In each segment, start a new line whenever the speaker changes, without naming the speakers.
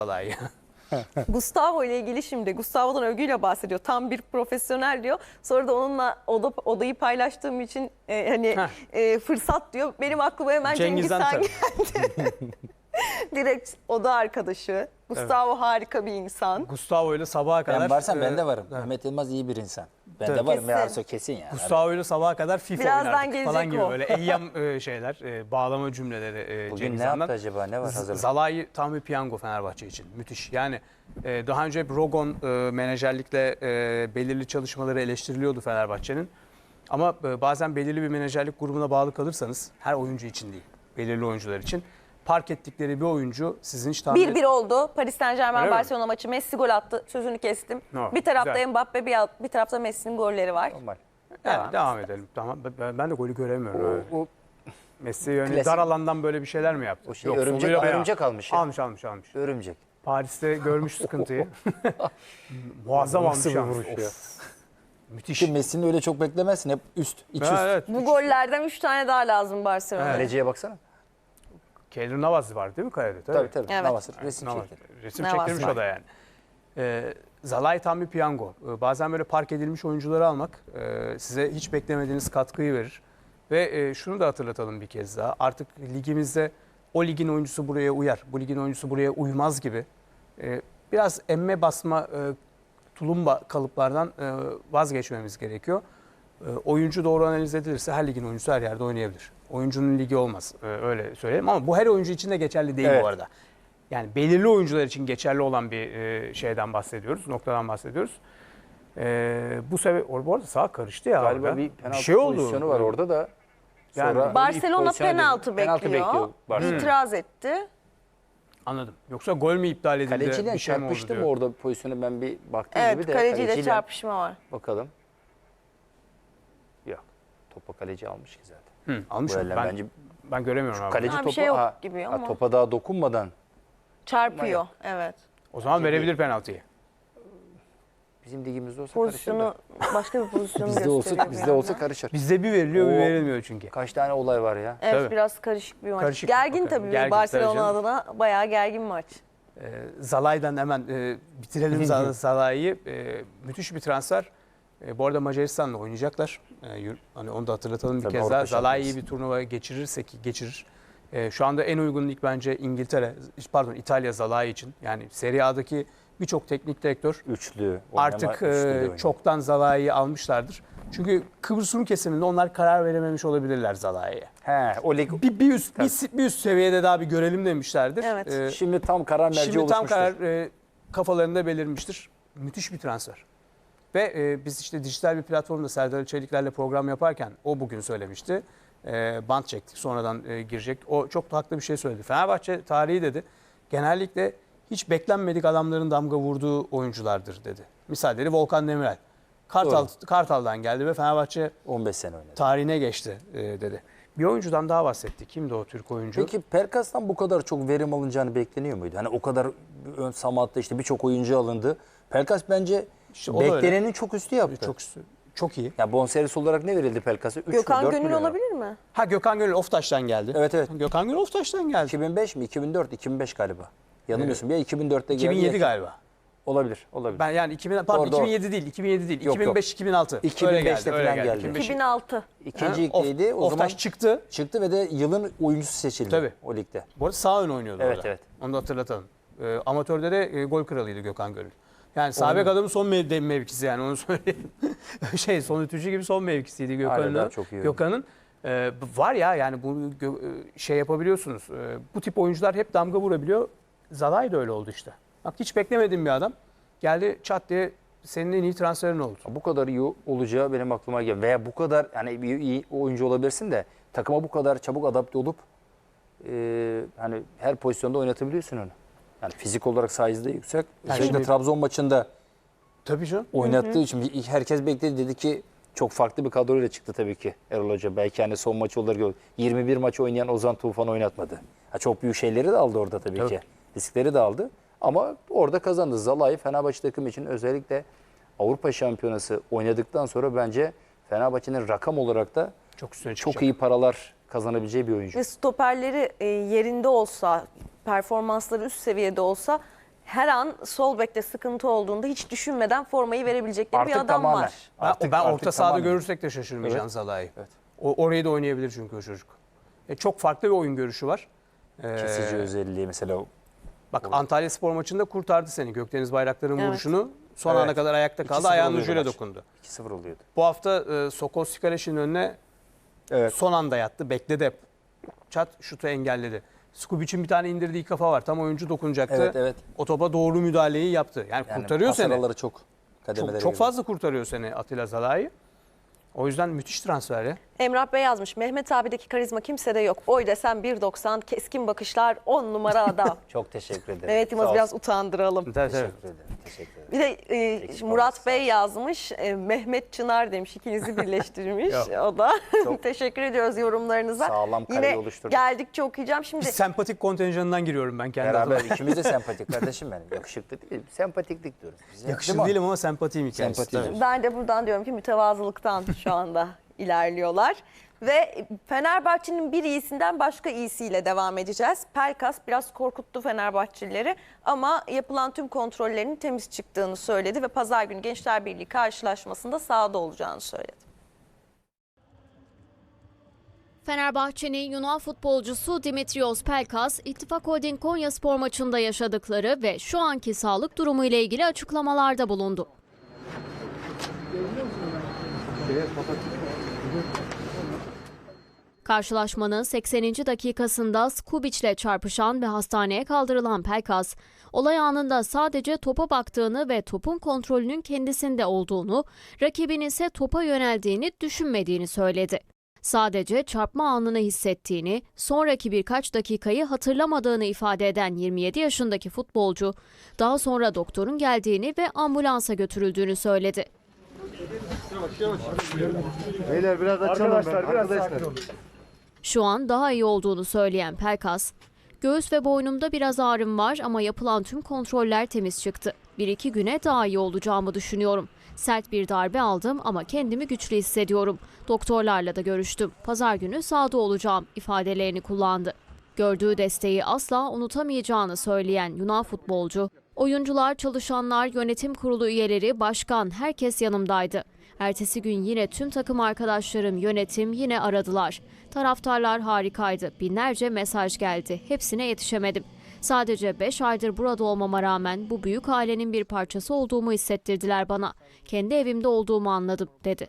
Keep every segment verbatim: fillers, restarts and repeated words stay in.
Zalai.
Gustavo ile ilgili şimdi Gustavo'dan övgüyle bahsediyor. Tam bir profesyonel diyor. Sonra da onunla oda, odayı paylaştığım için e, hani e, fırsat diyor. Benim aklıma hemen Cengiz
Cengiz
Han
Han
geldi. Direkt oda arkadaşı. Gustavo harika bir insan.
Gustavo ile sabaha kadar.
Ben varsam
e,
ben de varım.
evet.
Mehmet Yılmaz iyi bir insan. Ben
Tabii.
de varım.
Kesin.
Ya Arso kesin yani.
Gustavo ile sabaha kadar FIFA
Birazdan
oynardık falan
gelecek
gibi
o.
böyle eyyam e, şeyler, e, bağlama cümleleri e,
Bugün
Cengiz
ne
Han'dan.
yaptı acaba? Ne var hazırlık?
Zalai tam bir piyango Fenerbahçe için. Müthiş. Yani e, daha önce hep Rogon e, menajerlikle e, belirli çalışmaları eleştiriliyordu Fenerbahçe'nin. Ama e, bazen belirli bir menajerlik grubuna bağlı kalırsanız, her oyuncu için değil, belirli oyuncular için park ettikleri bir oyuncu sizin hiç tahmin
bir bir oldu. Paris Saint Germain
Öyle mi?
Barcelona maçı. Messi gol attı. Sözünü kestim.
No,
bir tarafta
güzel.
Mbappe, bir, alt- bir tarafta Messi'nin golleri var.
Normal.
Yani
Devam.
devam edelim. Tamam. Ben, ben de golü göremiyorum.
O, o
Messi yani
Klasik.
dar alandan böyle bir şeyler mi yaptı?
O şey, örümcek-
soluyla bayağı-
örümcek almış ya.
Almış almış almış.
örümcek.
Paris'te görmüş sıkıntıyı. Muazzam almış
Nasıl bir
yalnız.
vuruş ya?
Of. Müthiş.
Ki Messi'nin öyle çok beklemezsin. Hep üst, iç üst.
Ha, evet.
Bu gollerden üç tane daha lazım Barcelona'ya.
Kaleciye baksana.
Keylor Navas var değil mi kalede?
Tabii tabii.
Evet.
Navas resim
Navas.
çekti.
Resim
Navas
çektirmiş
var.
o da yani. Ee, Zalai tam bir piyango. Ee, bazen böyle park edilmiş oyuncuları almak e, size hiç beklemediğiniz katkıyı verir. Ve e, şunu da hatırlatalım bir kez daha. Artık ligimizde o ligin oyuncusu buraya uyar, bu ligin oyuncusu buraya uymaz gibi e, biraz emme basma e, tulumba kalıplardan e, vazgeçmemiz gerekiyor. E, oyuncu doğru analiz edilirse her ligin oyuncusu her yerde oynayabilir. Oyuncunun ligi olmaz. E, öyle söyleyelim ama bu her oyuncu için de geçerli değil
Evet.
bu arada. Yani belirli oyuncular için geçerli olan bir e, şeyden bahsediyoruz, noktadan bahsediyoruz. E, bu sefer bu arada sağ karıştı ya.
Galiba
orada.
bir penaltı
şey oldu.
pozisyonu var orada da.
Yani
Sonra
Barcelona
pozisyona
penaltı
dönüyor.
bekliyor.
Penaltı bekliyor Barcelona.
İtiraz etti.
Anladım. Yoksa gol mü iptal edildi?
Kaleciyle
bir şey mi oldu
çarpıştı
diyor.
mı orada pozisyonu, ben bir baktım
Evet,
gibi de.
kaleciyle çarpışma var.
Bakalım. Yok. Topa kaleci almış ki zaten.
Hı, almış
Bu
mı?
elden
Ben,
bence
ben göremiyorum abi.
kaleci
Ha, bir
topu
şey yok
ha,
gibi
ha,
ama.
topa daha dokunmadan
Çarpıyor. Evet.
O zaman verebilir penaltıyı.
bizim ligimizde olsa
Pozisyonu
karışır
başka bir pozisyonu
da. Bizde
gösteriyor.
olsa
bir
bizde olsa
yandan.
karışır.
Bizde bir veriliyor bir
O-
verilmiyor çünkü.
Kaç tane olay var ya.
Evet,
Tabii.
biraz karışık bir maç.
Karışık.
Gergin
Bakın,
tabii
gergin,
Barcelona
tabii canım.
adına bayağı gergin maç.
Ee, Zalai'den hemen e, bitirelim Zal- Zalai'yi. E, müthiş bir transfer. E, bu arada Macaristan'la oynayacaklar. E, yür- hani onu da hatırlatalım bir
Tabii,
kez
Avrupa
daha. Zalai'yi
Şampiyonası.
bir turnuva geçirirse ki geçirir. E, şu anda en uygun lig bence İngiltere, pardon İtalya Zalai için. Yani Serie A'daki birçok teknik direktör
Üçlü. oynama,
artık
üçlü de
e,
oynuyor.
çoktan Zalai'yi almışlardır. Çünkü Kıbrıs Rum kesiminde onlar karar verememiş olabilirler Zalai'ye.
He, o lig
Bir, bir, üst, bir, bir üst seviyede daha bir görelim demişlerdir.
Evet.
E,
şimdi tam karar merci
Şimdi tam
oluşmuştur.
karar e, kafalarında belirmiştir. Müthiş bir transfer. Ve e, biz işte dijital bir platformda Serdar Çelikler'le program yaparken o bugün söylemişti. E, bant çektik sonradan e, girecek. O çok da haklı bir şey söyledi. Fenerbahçe tarihi dedi. Genellikle hiç beklenmedik adamların damga vurduğu oyunculardır dedi. Misalleri Volkan Demirel. Kartal, Kartal'dan geldi ve Fenerbahçe
on beş sene oynadı.
tarihine geçti e, dedi. Bir oyuncudan daha bahsetti. Kimdi o Türk oyuncu?
Peki Pelkas'tan bu kadar çok verim alınacağını bekleniyor muydu? Hani o kadar ön Samat'ta işte birçok oyuncu alındı. Pelkas bence
İşte o da öyle.
beklenenin çok üstü yaptı.
Çok çok iyi.
Ya bonservis olarak ne verildi Pelkas'a? üç mü,
Gökhan
dört
Gönül
milyon?
olabilir mi?
Ha Gökhan Gönül Oftaş'tan geldi.
Evet evet.
Gökhan Gönül Oftaş'tan geldi.
iki bin beş mi? iki bin dört, iki bin beş galiba. Yanılmıyorsun. Ya iki bin dörtte geldi.
iki bin yedi
ya-
galiba.
Olabilir, olabilir.
Ben yani iki bin pardon
Orada-
iki bin yedi değil, iki bin yedi değil.
Yok,
iki bin beş iki bin altı.
iki bin beşte
Öyle
falan geldi.
iki bin beş.
iki bin altı.
İkinci
Ha, Of-
ligdeydi. O zaman
Oftaş çıktı.
çıktı ve de yılın oyuncusu seçildi
Tabii.
o ligde.
Bu arada sağ ön oynuyordu
Evet,
orada.
evet.
Onu da hatırlatalım. Ee, amatörde de e, gol kralıydı Gökhan Gönül. Yani sağ bek adamın son mev- mevkisi yani onu söyleyeyim. şey son ütücü gibi son mevkisiydi
Hala daha
Gökhan'ın.
çok iyi
Gökhan'ın e, var ya yani bu gö- e, şey yapabiliyorsunuz. E, bu tip oyuncular hep damga vurabiliyor. Zalai de öyle oldu işte. Bak hiç beklemediğim bir adam. Geldi çat diye senin en iyi transferin oldu.
Bu kadar iyi olacağı benim aklıma geldi. Veya bu kadar yani bir iyi oyuncu olabilirsin de takıma bu kadar çabuk adapte olup e, hani her pozisyonda oynatabiliyorsun onu. Yani fizik olarak size de yüksek.
Yani
Özellikle
şimdi-
Trabzon maçında
Tabii canım.
oynattığı için herkes bekledi, dedi ki çok farklı bir kadroyla çıktı tabii ki Erol Hoca. Belki hani son maçı olarak gördü. yirmi bir maç oynayan Ozan Tufan oynatmadı. Ha, çok büyük şeyleri de aldı orada tabii,
Tabii.
ki. Riskleri de aldı. Ama orada kazandı. Zalai Fenerbahçe takım için özellikle Avrupa Şampiyonası oynadıktan sonra bence Fenerbahçe'nin rakam olarak da
Çok üstüne
çok
çıkacak.
iyi paralar kazanabileceği bir oyuncu.
Ve stoperleri e, yerinde olsa, performansları üst seviyede olsa her an sol bekte sıkıntı olduğunda hiç düşünmeden formayı verebilecekleri bir
Artık
adam
tamamen.
var.
Ben,
Artık-
ben
artık
orta sahada
tamamen.
görürsek de şaşırmayacağım
Evet.
Zalai'yi.
Evet.
O, orayı da oynayabilir çünkü o çocuk. E, çok farklı bir oyun görüşü var. Ee,
Kesici özelliği mesela. o-
Bak Antalya Spor maçında kurtardı seni. Gökdeniz Bayraktar'ın
Evet.
vuruşunu son
Evet.
ana kadar ayakta
iki
kaldı.
sıfır
Ayağının
oluyordu
ucuyla
maç.
dokundu.
iki sıfır oluyordu.
Bu hafta e, Sokol Sikaleş'in önüne
Evet.
son anda yattı. Bekledi hep. Çat şutu engelledi. Skubic'in bir tane indirdiği kafa var. Tam oyuncu dokunacaktı.
Evet, evet.
O topa doğru müdahaleyi yaptı. Yani,
Yani
kurtarıyor
pas
seni.
araları çok kademelere
Çok, çok
girdi.
fazla kurtarıyor seni Atilla Zalai. O yüzden müthiş transfer ya.
Emrah Bey yazmış. Mehmet abideki karizma kimsede yok. Boy desen bir doksan, keskin bakışlar, on numara adam.
Çok teşekkür ederim.
Evet
Sağ
Yılmaz biraz
olsun.
utandıralım.
Tabii, tabii.
Teşekkür ederim. Teşekkür ederim.
Bir de e,
Eksik
Murat
olmasın,
Bey yazmış. e, Mehmet Çınar demiş. İkinizi birleştirmiş.
Yok.
O da.
Çok
Teşekkür ediyoruz yorumlarınıza.
sağlam kareyi
Yine
oluşturduk.
geldikçe okuyacağım. Şimdi
Bir sempatik kontenjanından giriyorum ben kendi
Beraber
adıma.
ikimiz de sempatik kardeşim benim. Yakışıklı değil, sempatiklik diyoruz biz. ya.
Yakışıklı
Değil mi?
değilim ama sempatiyim hikayesi.
Sempati.
Tabii.
ben de buradan diyorum ki mütevazılıktan şu anda ilerliyorlar. Ve Fenerbahçe'nin bir iyisinden başka iyisiyle devam edeceğiz. Pelkas biraz korkuttu Fenerbahçelileri ama yapılan tüm kontrollerinin temiz çıktığını söyledi ve pazar günü Gençler Birliği karşılaşmasında sahada olacağını söyledi.
Fenerbahçe'nin Yunan futbolcusu Dimitrios Pelkas, İttifak Holding Konyaspor maçında yaşadıkları ve şu anki sağlık durumu ile ilgili açıklamalarda bulundu. Karşılaşmanın sekseninci dakikasında Skubic'le çarpışan ve hastaneye kaldırılan Pelkas, olay anında sadece topa baktığını ve topun kontrolünün kendisinde olduğunu, rakibinin ise topa yöneldiğini düşünmediğini söyledi. Sadece çarpma anını hissettiğini, sonraki birkaç dakikayı hatırlamadığını ifade eden yirmi yedi yaşındaki futbolcu, daha sonra doktorun geldiğini ve ambulansa götürüldüğünü söyledi.
Beyler biraz açalım
Arkadaşlar,
ben.
biraz
Arkadaşlar.
sakin olun.
Şu an daha iyi olduğunu söyleyen Pelkas, göğüs ve boynumda biraz ağrım var ama yapılan tüm kontroller temiz çıktı. Bir iki güne daha iyi olacağımı düşünüyorum. Sert bir darbe aldım ama kendimi güçlü hissediyorum. Doktorlarla da görüştüm. Pazar günü sahada olacağım ifadelerini kullandı. Gördüğü desteği asla unutamayacağını söyleyen Yunan futbolcu, oyuncular, çalışanlar, yönetim kurulu üyeleri, başkan herkes yanımdaydı. Ertesi gün yine tüm takım arkadaşlarım, yönetim yine aradılar. Taraftarlar harikaydı. Binlerce mesaj geldi. Hepsine yetişemedim. Sadece beş aydır burada olmama rağmen bu büyük ailenin bir parçası olduğumu hissettirdiler bana. Kendi evimde olduğumu anladım, dedi.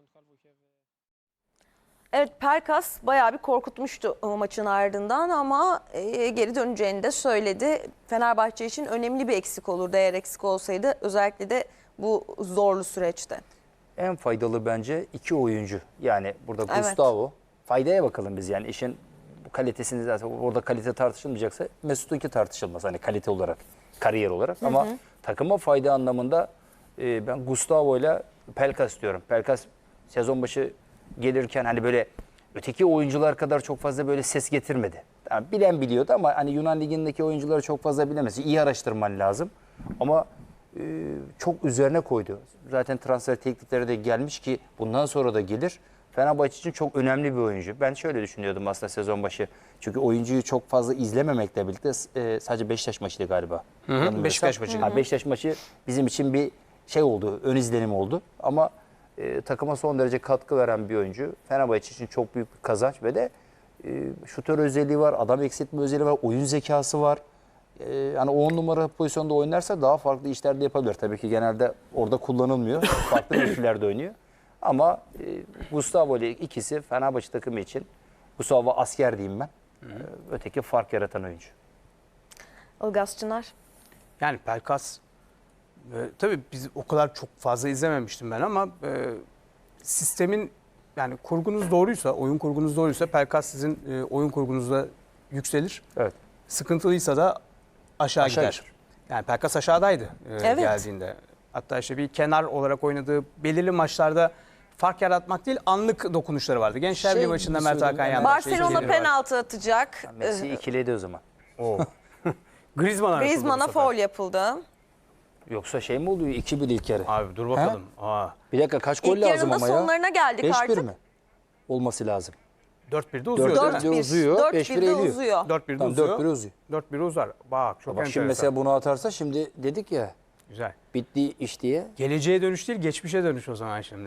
Evet Pelkas bayağı bir korkutmuştu o maçın ardından ama e, geri döneceğini de söyledi. Fenerbahçe için önemli bir eksik olurdu eğer eksik olsaydı özellikle de bu zorlu süreçte.
En faydalı bence iki oyuncu. Yani burada
Evet.
Gustavo. Faydaya bakalım biz yani işin bu kalitesini zaten orada kalite tartışılmayacaksa Mesut'unki tartışılmaz hani kalite olarak, kariyer olarak ama takıma fayda anlamında e, ben Gustavo ile Pelkas diyorum. Pelkas sezon başı gelirken hani böyle öteki oyuncular kadar çok fazla böyle ses getirmedi. Yani bilen biliyordu ama hani Yunan Ligi'ndeki oyuncuları çok fazla bilemez. İyi araştırman lazım. Ama e, çok üzerine koydu. Zaten transfer teklifleri de gelmiş ki bundan sonra da gelir. Fenerbahçe için çok önemli bir oyuncu. Ben şöyle düşünüyordum aslında sezon başı. Çünkü oyuncuyu çok fazla izlememekle birlikte e, sadece Beşiktaş maçıydı galiba.
Hı hı,
Yanılmıyorsam.
Beşiktaş maçı.
Ha, Beşiktaş maçı bizim için bir şey oldu, ön izlenim oldu. Ama e, takıma son derece katkı veren bir oyuncu. Fenerbahçe için çok büyük bir kazanç ve de e, şutör özelliği var, adam eksiltme özelliği var, oyun zekası var. E, yani on numara pozisyonda oynarsa daha farklı işler de yapabilir. Tabii ki genelde orada kullanılmıyor. Farklı mevkilerde oynuyor. Ama e, Gustavo ile ikisi Fenerbahçe takımı için, Gustavo asker diyeyim ben. E, öteki fark yaratan oyuncu.
Ilgaz Çınar.
Yani Pelkas e, tabii biz o kadar çok fazla izlememiştim ben ama e, sistemin yani kurgunuz doğruysa, oyun kurgunuz doğruysa Pelkas sizin e, oyun kurgunuzda yükselir.
Evet.
Sıkıntılıysa da aşağı,
Aşağı
gider. Yani Pelkas aşağıdaydı e,
Evet.
geldiğinde. Hatta işte bir kenar olarak oynadığı belirli maçlarda fark yaratmak değil anlık dokunuşları vardı. Gençler
Şey
Birliği maçında
gibi
Mert Hakan
söyleyeyim,
yandaş.
Barcelona
şeyleri var.
penaltı atacak.
Messi ikiliydi o zaman.
Griezmann'a yapıldı bu
Griezmann'a
sefer.
faul yapıldı.
Yoksa şey mi oluyor? iki bir ilk yarı.
Abi dur bakalım. Aa,
Bir dakika kaç gol
İlk
lazım
yarının
ama ya?
sonlarına geldik
beş bir
artık.
mi? Olması lazım.
dört birde uzuyor
Dört
değil mi?
bir. uzuyor,
dört
beş bir
birde
eğiliyor.
uzuyor.
dört birde
Tamam,
uzuyor.
dört bir uzuyor.
dört bir uzar. Bak çok
Bak
enteresan.
şimdi mesela bunu atarsa şimdi dedik ya
Güzel.
bitti iş diye.
Geleceğe dönüş değil, geçmişe dönüş o zaman şimdi.